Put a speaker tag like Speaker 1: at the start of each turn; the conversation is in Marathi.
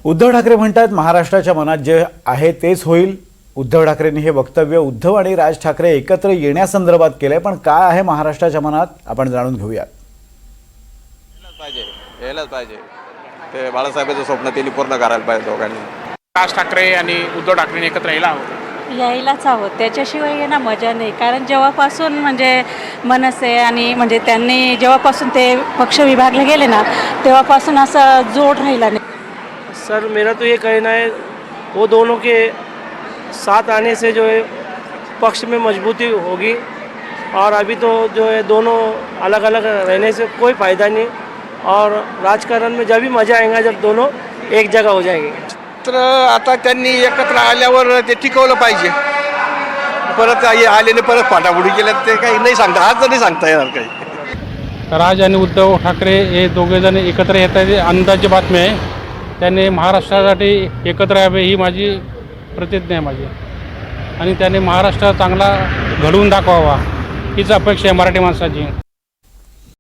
Speaker 1: उद्धव ठाकरे म्हणतात महाराष्ट्राच्या मनात जे आहे तेच होईल। उद्धव ठाकरेंनी हे वक्तव्य उद्धव आणि राज ठाकरे एकत्र येण्यासंदर्भात केलंय, पण काय आहे महाराष्ट्राच्या मनात आपण जाणून घेऊयात।
Speaker 2: यायलाच पाहिजे ते बाळासाहेबांचं स्वप्न त्यांनी पूर्ण करायला पाहिजे दोघांनी।
Speaker 3: राज ठाकरे आणि उद्धव ठाकरेंनी एकत्र
Speaker 4: यायलाच हवं, त्याच्याशिवाय येणं मजा नाही। कारण जेव्हापासून म्हणजे मनसे आणि म्हणजे त्यांनी जेव्हापासून ते पक्ष विभागले गेले ना, तेव्हापासून असं जोड राहिला नाही।
Speaker 5: सर मेरा तो ये कहना है, वो दोनों के साथ आने से जो है पक्ष में मजबूती होगी, और अभी तो जो है दोनों अलग अलग रहने से कोई फ़ायदा नहीं, और राजकारण में जब भी मज़ा आएगा जब दोनों एक जगह हो जाएंगे।
Speaker 2: तर आता त्यांनी एकत्र आल्यावर ते टिकवलं पाहिजे। परत आलेने परत फाटाफुटी केल्या ते काही नाही सांगता, आज नाही सांगता येणार काही।
Speaker 6: राज आणि उद्धव ठाकरे हे दोघेजण एकत्र येत आहेत, अंदाजे बातमी आहे। त्याने महाराष्ट्रासाठी एकत्र यावे ही माझी प्रतिज्ञा आहे माझी, आणि त्याने महाराष्ट्र चांगला घडवून दाखवावा हीच अपेक्षा आहे मराठी माणसाची।